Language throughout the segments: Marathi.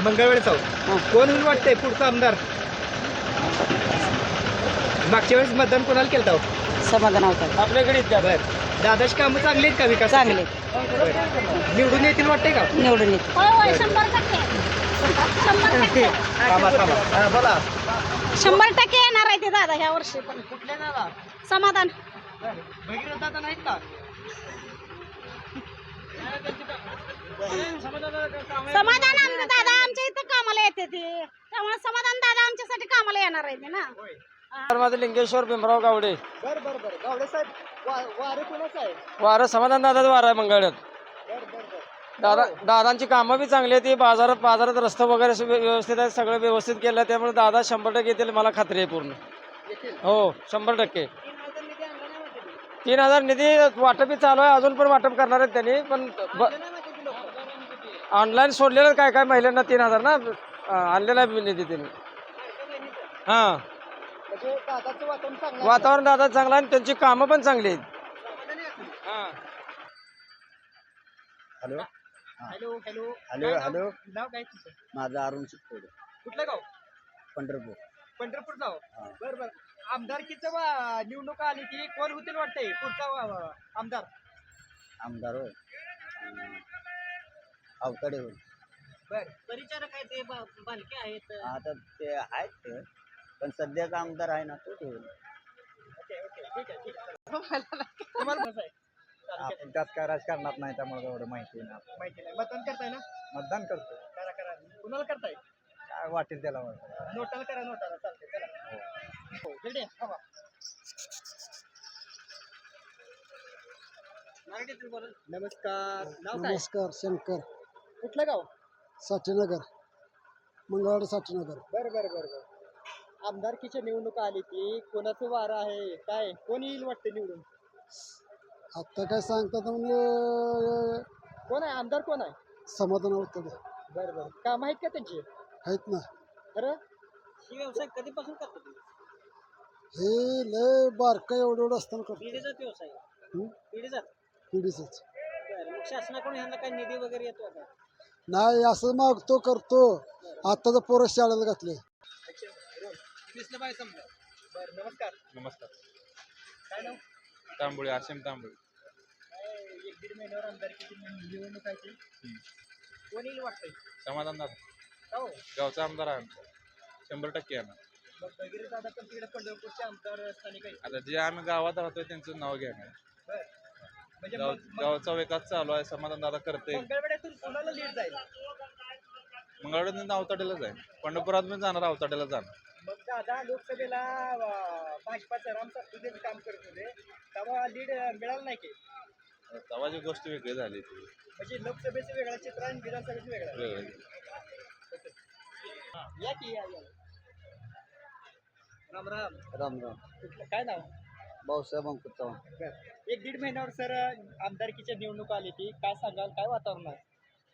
मंगळवेळ चौक कोण होईल वाटतंय पुढचा आमदार? मागच्या वेळेस मतदान कोणाला केलं होतं? समाधान होतात आपल्याकडे बर दादाची कामं चांगली आहेत का विकास? चांगले निवडून येतील वाटतंय का? निवडून येते. बोला 100% येणार आहे ते दादा ह्या वर्षी पण. कुठल्या नाला समाधान भगीरथ दादा नाहीत का? समाधान दादा आमच्या इथं कामाला येते ते, त्यामुळे समाधान दादा आमच्यासाठी कामाला येणार आहे ते ना. माझं लिंगेश्वर भीमराव गावडे. बर बर बर गावडे साहेब वारं कोणाचं आहे? वारं समाधान दादाच वार आहे मंगळ्यात. बर बर बर दादांची कामं बी चांगली आहेत. बाजारात रस्ते वगैरे व्यवस्थित आहेत, सगळं व्यवस्थित केलं. त्यामुळे दादा 100% येतील, मला खात्री आहे पूर्ण. हो 100%. 3,000 निधी वाटपही चालू आहे, अजून पण वाटप करणार आहेत त्यांनी. पण ऑनलाईन सोडलेलं काय महिलांना 3,000 ना आणलेला निधी त्यांनी. हां वातावरण दादा चांगलं आहे आणि त्यांची कामं पण चांगली आहेत. Hello hello hello hello hello नाव काय तुमचं? माझं अरुण शिकतोय. कुठलं गाव? पंढरपूर. पंढरपूर गाव. बर बर आमदारकीचं निवडणूक आली की कोण होतील वाटतंय पुढचा आमदार? आमदार होय अवतडे होय. बर परिचारक आहे ते बालके आहेत. आता ते आहेत ते, पण सध्याचा आमदार आहे ना तो होईल. ओके ओके ठीक आहे ठीक आहे. तुम्हाला कसं आहे? आपण त्यात काय राजकारणात नाही, त्यामुळे एवढं माहिती नाही. माहिती नाही. मतदान करताय ना? मतदान करतो, करा करा. कुणाला करताय? काय वाटेल त्याला. नोटाला करा नोटाला चालतंय चला. हो इकडे या, थांबा. नमस्कार नाव काय? नमस्कार शंकर कुठलं गाव? साठीनगर मंगळवाडी साठीनगर. बर बर बर बर आमदारकीच्या निवडणूक आली की कोणाचं वारं आहे काय कोण येईल वाटतं निवडून? आत्ता काय सांगतात म्हणजे कोण आहे आमदार कोण आहे? समाधान होतं बर बर काम आहेत का त्यांची? आहेत ना. खरं ही व्यवसाय कधीपासून करतो तुम्ही? हे लय बारका एवढं असताना करतो. पिढीचाच व्यवसाय हं? पिढीचाच. पिढीचंच मग शासनाकडून ह्यांना काही निधी वगैरे येतो का? नाही, असं मागतो करतो. आत्ताचं पोरं शाळेला घातले. बर नमस्कार नमस्कार. काय नाव? तांबोळी आशिम तांबोळी. एक दीड महिन्यावर आमदारकीची निवडणूक आहे ती. कोण येईल वाटतंय? समाधान दादा हो गावचा आमदार आहे आमचा 100% येणार. मग वगैरे दादा पण तिकडे पंढरपूरचे आमदार स्थानिक आहे. आता जे आम्ही गावात राहतोय त्यांचं नाव घेणार. बर म्हणजे गावचा विकास चालू आहे, समाधान दादा करते. मंगळवेढ्यातून कोणाला लीड जाईल? मंगळवार अवताड्याला जाईल, पंढरपुरात पण जाणार, अवताड्याला जाणार. मग दादा लोकसभेला भाजपाचं राम सातपुतेचं काम करत होते तेव्हा लीड मिळालं नाही की? तेव्हाची गोष्ट वेगळी झाली ती. म्हणजे लोकसभेचं वेगळं चित्र आणि विधानसभेचं वेगळं. वेगळी. या की या या. राम राम. राम राम. कुठलं काय नाव? भाऊसाहेब अंकुश चव्हाण. बरं. एक दीड महिन्यावर सर आमदारकीच्या निवडणूक आली ती काय सांगाल काय वातावरण आहे?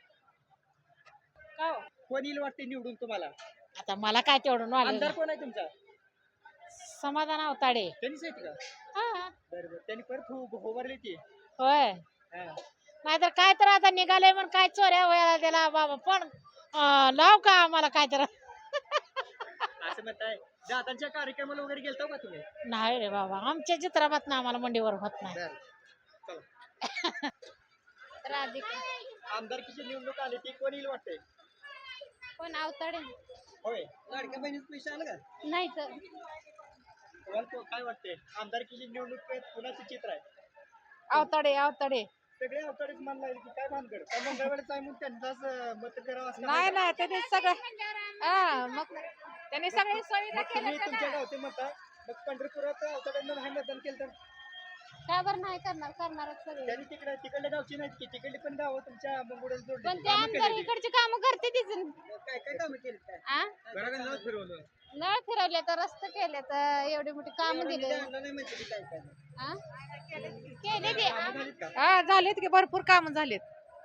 काय हो? कोण येईल वाटते निवडून तुम्हाला? आता मला काय तेवढं आमदार knowledge कोण आहे तुमचा? समाधान अवताडे. त्यांनीच आहेत का? हा बरं बरं त्यांनी परत उभारली ती. होय. हा. नाहीतर काय तर आता निघाले म्हणून काय चोऱ्या व्हायला त्याला बाबा पण लाव का आम्हाला काय तर. असं म्हणताय. दादांच्या कार्यक्रमाला वगैरे गेलता का तुम्ही? नाही रे बाबा आमच्या चित्राबात ना आम्हाला मंडीवर होत नाही. बरं. चला. राधिका आमदारकीची निवडणूक आली ती कोण येईल वाटतंय? पण अवताडे होय. लाडक्या बहिणीचं पैसे आलं का? नाही तर तुम्हाला काय वाटतंय आमदारकीची निवडणूक कुणाचं चित्र आहे? अवताडे सगळे अवतारीच मान लागले की काय भानगड? का मंगळवेळच आहे म्हणून त्यांचाच मत करावं असं नाही नाही त्यांनी सगळं मग त्यांनी सगळी सुविधा मग तुम्ही तुमच्या गावचे मत आहे मग पंढरपुरात अवताड्यांना नाही मतदान केलं तर काय बरं नाही करणारच सगळे. त्यांनी तिकडल्या गावची नाहीत की तिकडली पण गावं तुमच्या मंगुड्यात जोडली. पण ते आमदार इकडची कामं करते तीच. काय काय कामं केली काय? आ? घराकडे नळ फिरवलं. नळ फिरवले तर रस्ते केले तर एवढी मोठी काम दिले. नाही माहिती की काय काय आ? केले ते कामं झालीत का? हा झालेत की भरपूर कामं झालेत.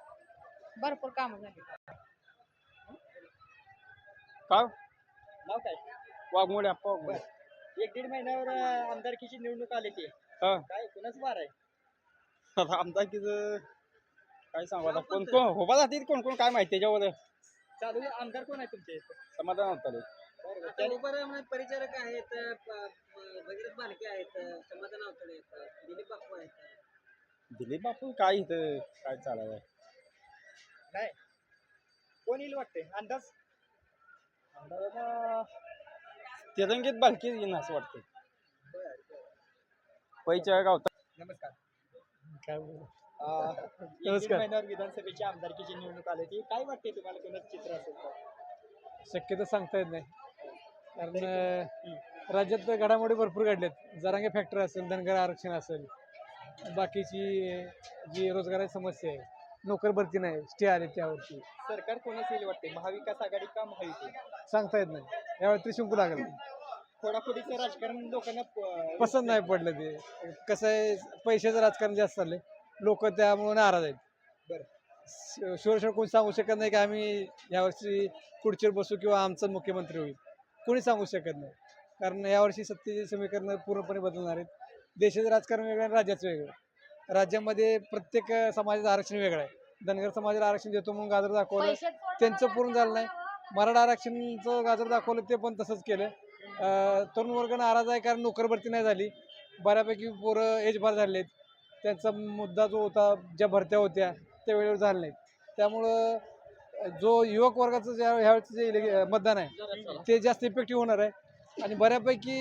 काय नाव काय? वाघमोडे अप्पा. एक दीड महिन्यावर आमदारकीची निवडणूक आली ती हा काय कुणाच वार आहे? आमदारकीचं काय सांगू आता कोण कोण उभा जाते कोण कोण काय माहिती त्याच्यावर. चालू आमदार कोण आहे तुमच्या इथं? समाधान होतं आता उभं परिचारक आहेत, भगीरथ बालके आहेत, समाधान अवतडे आहेत, दिलीप बापू आहेत. दिलीप बापू काय इथं काय चालाय नाही कोण येईल वाटते अंदाज? तिरंगीत बालकी येईन असं वाटतं. पैच्या गावता नमस्कार. काय नमस्कार. महिन्यावर विधानसभेची आमदारकीची निवडणूक आली ती काय वाटते तुम्हाला कोणाचं चित्र असेल तर? शक्यता सांगता येत नाही कारण राज्यात घडामोडी भरपूर घडल्यात. जरांगे फॅक्टरी असेल, धनगर आरक्षण असेल, बाकीची जी रोजगाराची समस्या आहे, नोकर भरती नाही, स्टे आले त्यावरती सरकार कोणाचं येईल वाटते? महाविकास आघाडी का महायुती? सांगता येत नाही. यावेळी त्रिशंकू लागेल. फोडाफोडीचं राजकारण लोकांना पसंत नाही पडलं ते. कसं आहे, पैशाचं राजकारण जास्त चाललंय, लोक त्यामुळे नाराज आहेत. बरं. शोर कोणी सांगू शकत नाही की आम्ही यावर्षी खुर्चीवर बसू किंवा आमचा मुख्यमंत्री होईल. कोणी सांगू शकत नाही कारण यावर्षी सत्तेचे समीकरण पूर्णपणे बदलणार आहेत. देशाचं राजकारण वेगळं आणि राज्याचं वेगळं. राज्यामध्ये प्रत्येक समाजाचं आरक्षण वेगळं आहे. धनगर समाजाला आरक्षण देतो म्हणून गाजर दाखवलं, त्यांचं पूर्ण झालं नाही. मराठा आरक्षणचं गाजर दाखवलं, ते पण तसंच केलं. तरुण वर्ग नाराज आहे कारण नोकर भरती नाही झाली. बऱ्यापैकी पोरं एजबार झाले आहेत. त्यांचा मुद्दा जो होता, ज्या भरत्या होत्या त्या वेळेवर झाल्या नाहीत. त्यामुळं जो युवक वर्गाचं ह्यावेळेचं जे मतदान आहे ते जास्त इफेक्टिव्ह होणार आहे आणि बऱ्यापैकी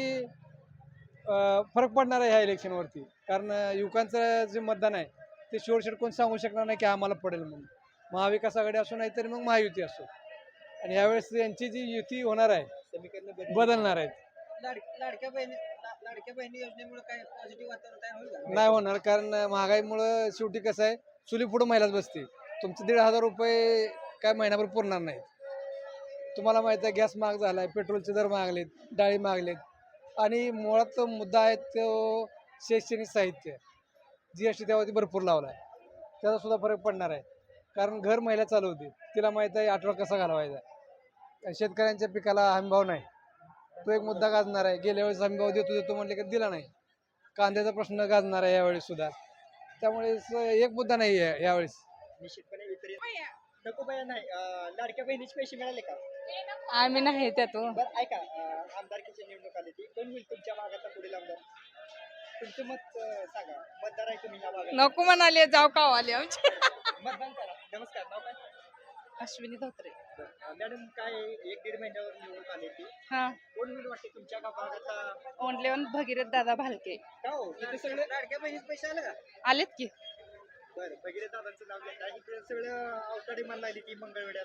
फरक पडणार आहे ह्या इलेक्शनवरती. कारण युवकांचं जे मतदान आहे ते शोरशेट कोण सांगू शकणार नाही की आम्हाला पडेल म्हणून. महाविकास आघाडी असो नाही तरी मग महायुती असो. आणि यावेळेस यांची जी युती होणार आहे समीकरण बदलणार आहेत. लाडक्या बहिणी योजनेमुळे काय पॉझिटिव्ह वातावरण तयार होईल का? नाही होणार कारण महागाईमुळं शेवटी कसं आहे, चुली पुढं महिलाच बसते. तुमचे 1,500 रुपये काय महिनाभर पुरणार नाहीत. तुम्हाला माहिती आहे गॅस महाग झाला आहे, पेट्रोलचे दर महागलेत, डाळी महागलेत आणि मुळात मुद्दा आहे तो शैक्षणिक साहित्य GST त्यावरती भरपूर लावला आहे. त्याचा सुद्धा फरक पडणार आहे कारण घर महिला चालवते, तिला माहीत आहे आठवडा कसा घालवायचा. आणि शेतकऱ्यांच्या पिकाला हमीभाव नाही, तो एक मुद्दा गाजणार आहे. गेल्या वेळेस हमीभाव देतो म्हणले की दिला नाही. कांद्याचा प्रश्न गाजणार आहे यावेळेस सुद्धा. त्यामुळे एक मुद्दा नाही आहे यावेळेस. निश्चितपणे वितरित नको बाया नाही. लाडक्या बहिणीचे पैसे मिळाले का? आम्ही नाही त्यातून. बरं ऐका, आमदारकीची निवडणूक आली ती कोण होईल तुमच्या भागाचा पुढील आमदार? तुमचं मत सांगा. मतदार आहे तुम्ही या भागात, नको म्हणाले, जाऊ का आले आमचे. मतदान करा. नमस्कार. नाव काय? अश्विनी धोत्रे. मॅडम काय 1-1.5 महिन्यावर निवडणूक आली ती हा, कोण होईल वाटते तुमच्या भागाचा? ओनली वन भगीरथ दादा भालके. का हो तिथे सगळे लाडक्या बहिणीचे पैसे आले का? आलेत की. बरं भगीरथ दादांचं नाव घेतलं आहे. इकडे सगळं अवताडे मन लागली ती मंगळवेड्यात.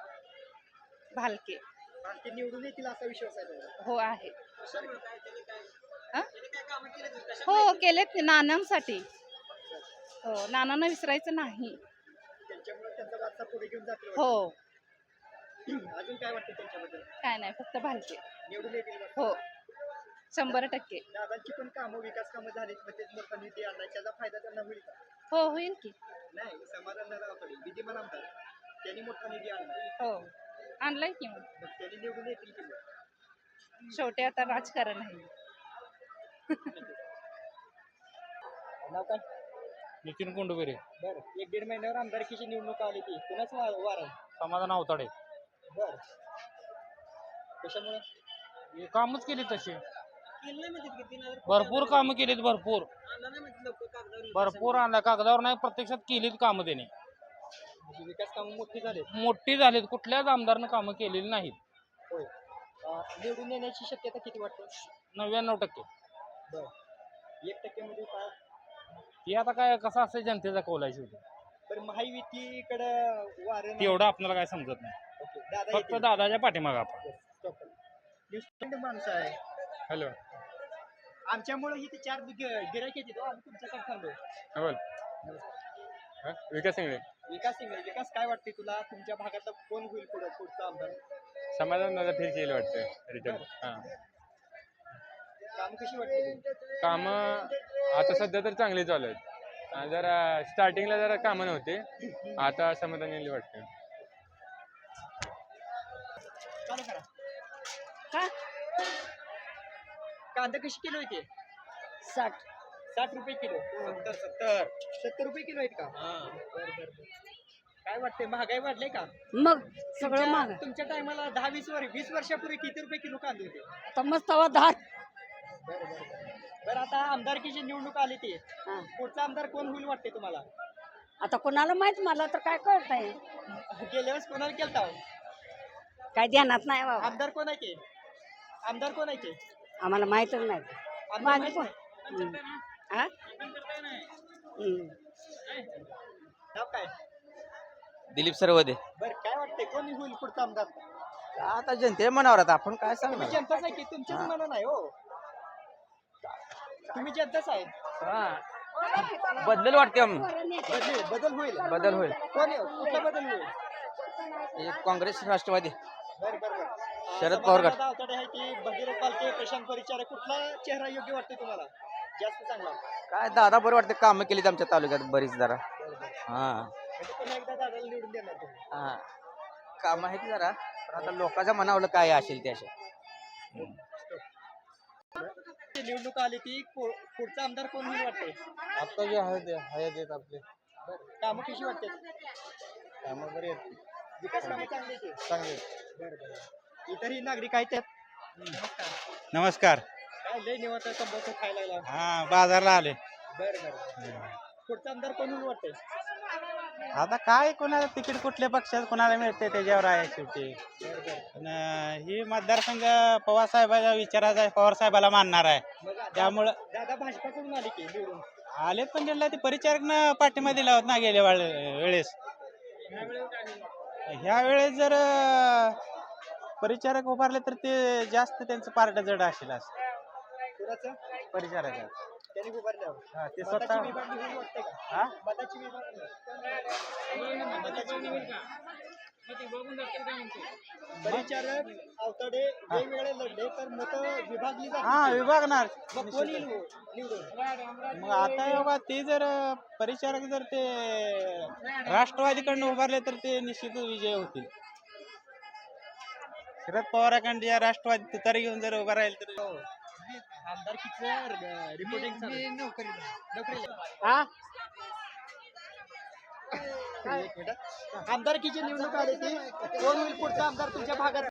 भालके. ते निवडून येतील असा विश्वास आहे तुम्हाला? हो आहे. कशामुळे काय त्यांनी काय हा? त्यांनी काय कामं केली का? हो केलेत की नानांसाठी. हो, नानांना विसरायचं नाही. त्यांच्यामुळे त्यांचा वारसा पुढे घेऊन जातील. हो, अजून काय वाटतं त्यांच्याबद्दल? काय नाही, फक्त भालके. निवडून येतील का? हो, 100%. दादांची पण कामं विकास कामं झालीत, मग तेच मोठा निधी आणला, त्याचा फायदा त्यांना होईल का? हो, होईल की. नाही, समाधान दादा अवताडे विद्यमान आमदार त्यांनी मोठा निधी आणला, हो, आणलाय की मग. मग त्यांनी निवडून येतील की नाही? शेवटी आता राजकारण आहे. नाव काय? नितीन कोंडुबेरे. बरं 1-1.5 महिन्यावर आमदारकीची निवडणूक आली ती कुणाच वार आहे? समाधान अवताडे. बरं कशामुळे? हे कामच केली तसे केलं नाही म्हणतात की 3,000 भरपूर कामं केलीत, भरपूर आणलं नाही म्हणतात लोक कागदावर. भरपूर आणल्या कागदावर नाही, प्रत्यक्षात केलीत कामं त्याने. म्हणजे विकास कामं मोठी झाली. मोठी झालीत, कुठल्याच आमदारनं कामं केलेली नाहीत. होय. निवडून येण्याची शक्यता किती वाटते? 99%. बरं 1% मध्ये काय? हे आता काय कसं असतं जनतेचा कौल आहे शेवटी, बरं महायुतीकडं वारं नाही. तेवढं आपल्याला काय समजत नाही. ओके, दादा फक्त येतील. दादाच्या पाठीमागं आपण. न्यूझीलंड माणसं आहे. हॅलो आमच्यामुळे इथे 4 गिरायक येते आम्ही तुमच्याकडे थांबलो. बोल. विकास सिंगळे. विकास सिंग, विकास काय वाटते तुला? तुमच्या भागातला कोण होईल पुढचा आमदार? समाधान दादा फिर केलं वाटतं रिटर्न. हां, काम कशी वाटते? कामं आता सध्या तर चांगली चालू आहेत. जरा स्टार्टिंगला जरा कामं नव्हते, आता समाधान येईल वाटतं. चालू करा. का? कांदा कशी किलो येते? 60 60 रुपये किलो. 70 रुपये किलो आहेत का? बरं. काय वाटते महागाई वाढले का मग सगळं महाग तुमच्या टायमाला 20 वर्षापूर्वी किती रुपये किलो कांदे होते तर मस्त तवा 10 बरं आता आमदारकीची निवडणूक आली ती पुढचा आमदार कोण होईल वाटते तुम्हाला आता कोणाला माहित मला तर काय कळत आहे गेल्या वेळेस कोणाला केलता हो? काय ध्यानात नाही बाबा आमदार कोण आहे ते आमदार कोण आहे ते आम्हाला माहितच नाही आमदार माझं माहित पण नाही? हा नाव काय दिलीप सरवदे बरं काय वाटतंय कोण होईल पुढचा आमदार आता जनते मनावर आता आपण काय तुम्ही जनताच आहे की तुमच्याच मना नाही हो तुम्ही जनताच आहे बदलेल वाटते बदल होईल बदल होईल कोण आहे? कुठला बदल होईल काँग्रेस राष्ट्रवादी बरं बरं बरं शरद पवार गट. समाधानदादा अवताडे आहे की भगीरथ बालके प्रशांत परिचारक कुठला चेहरा योग्य वाटतो तुम्हाला जास्त चांगला काय दादा बरं वाटते कामं केली आमच्या तालुक्यात बरीच जरा हा म्हणजे पुन्हा एकदा दादाला निवडून देणार तुम्ही हा काम आहेत जरा पण आता लोकांच्या मनावलं काय असेल ते असे निवडणूक आली ती पुढचा आमदार कोण होईल वाटते आता जे आहेत आपले कामं कशी वाटते कामं बरे आहेत विकास कामं चांगली आहेत की? चांगले बरं बरं इतरही नागरिक आहेत त्यात नमस्कार काय लय निवांत तंबाखू खायला लागला हा बाजारला आले बरं बरं पुढचा आमदार कोण होईल वाटते आता काय कोणाला तिकीट कुठल्या पक्षात कोणाला मिळते त्याच्यावर आहे शेवटी पण ही मतदारसंघ पवार साहेबाच्या विचाराचा आहे, पवार साहेबाला मानणार आहे मग त्यामुळं दादा भाजपाकडून आली की निवडून आले पण त्यांना ते परिचारकनं पाठिंबा दिला होता ना गेल्या वेळेस ह्या वेळेस जर परिचारक उभारले तर ते जास्त त्यांचं पारड जड असेल असं कुणाचं परिचारक त्यांनी उभारल्यावर हा ते मताची स्वतः विभागणी होईल वाटते का हा मताची परिचारक अवताडे वेगवेगळे लढले तर मत विभागली हा जातील विभागणार मग कोण येईल हो निवडून मग आता योगा ते जर परिचारक जर ते राष्ट्रवादीकडनं उभारले तर ते निश्चितच विजय होतील शरद पवाराकडे या राष्ट्रवादी तुतारी घेऊन जर उभा राहील तर आमदारकीचं रिपोर्टिंग आमदारकीची निवडणूक आली ती कोण होईल पुढचा आमदार तुमच्या भागात